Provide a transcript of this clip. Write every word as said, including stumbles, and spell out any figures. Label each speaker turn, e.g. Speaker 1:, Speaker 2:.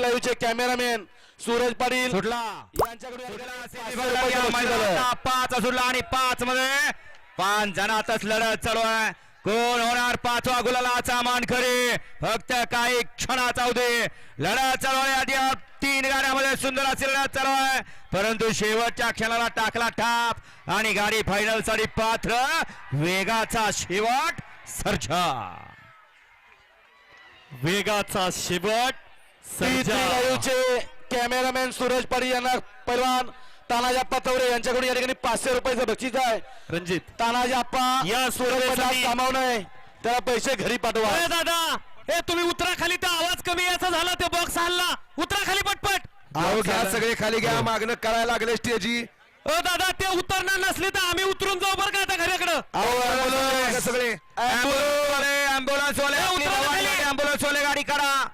Speaker 1: लाईव्हचे cameraman Suraj Patil
Speaker 2: सुटला पाच सुटला आणि पाच मध्ये पाच जणातच लढत चालू आहे. कोण होणार पाचवा गुलालाचा मानकरी फक्त काही क्षणाचा अवधी लढत चालू आहे. आधी तीन गाड्यामध्ये सुंदर अशी लढत चालू आहे परंतु शेवटच्या क्षणाला टाकला टाप आणि गाडी फायनल साठी पात्र वेगाचा शेवट सर्जा
Speaker 3: वेगाचा शेवट सर्जा
Speaker 1: लाईव्हचे कॅमेरामॅन सूरज पाटील यांना पैलवान तानाजी आप्पा तवरे यांच्याकडून या ठिकाणी पाचशे रुपयाचं बक्षीस आहे.
Speaker 3: रणजित
Speaker 1: तानाजी आप्पा
Speaker 3: या स्पर्धेसाठी
Speaker 1: कामावून आहे त्याला पैसे घरी पाठवा.
Speaker 3: अरे दादा हे तुम्ही उतरा खाली, तर आवाज कमी याचा झाला, ते बॉक्स हल्ला. उतरा खाली पटपट.
Speaker 2: अहो घ्या सगळे खाली घ्या. मागणं करायला लागले स्टेजी.
Speaker 3: अ दादा ते उतरणार नसले तर आम्ही उतरून जाऊ बरं का आता घराकडं.
Speaker 2: सगळे ऍम्ब्युलन्स वाले ऍम्ब्युलन्स वाले गाडी काढा.